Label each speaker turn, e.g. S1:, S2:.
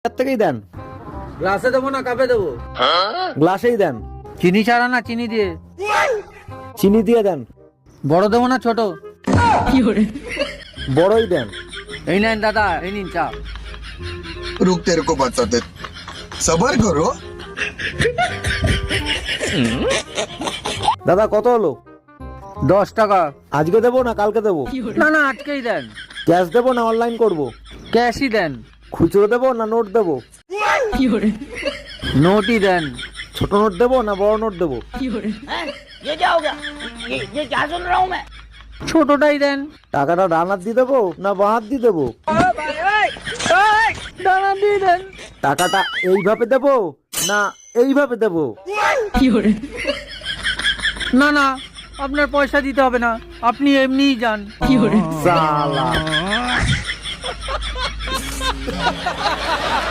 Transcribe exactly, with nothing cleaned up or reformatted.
S1: থেকেই দেন।
S2: গ্লাসে দেবো না কাপে দেবো?
S1: গ্লাসেই দেন।
S2: চিনি ছাড়া না চিনি দিয়ে?
S1: চিনি দিয়ে দেন।
S2: বড় দেবো না ছোট?
S1: বড়ই দেন।
S2: এই নেন দাদা, এই নিন চা।
S3: रुक तेरे को बताते सबर करो।
S1: দাদা কত হলো?
S2: দশ টাকা।
S1: আজকে দেবো না কালকে দেবো?
S2: না না আজকেই দেন।
S1: ক্যাশ দেবো না অনলাইন করব?
S2: ক্যাশই দেন।
S1: খুচরো দেবো না নোট দেবো?
S2: নোটই দেন।
S1: ছোট নোট দেবো না বড় নোট দেবো?
S2: ছোটটাই দেন।
S1: টাকাটা ডান হাত দিয়ে দেবো না বাঁ হাত দিয়ে দেবো?
S2: দানা দিয়ে দেন।
S1: টাকাটা এইভাবে দেবো না এইভাবে দেবো?
S2: না না আপনার পয়সা দিতে হবে না, আপনি এমনিই যান।
S1: সালা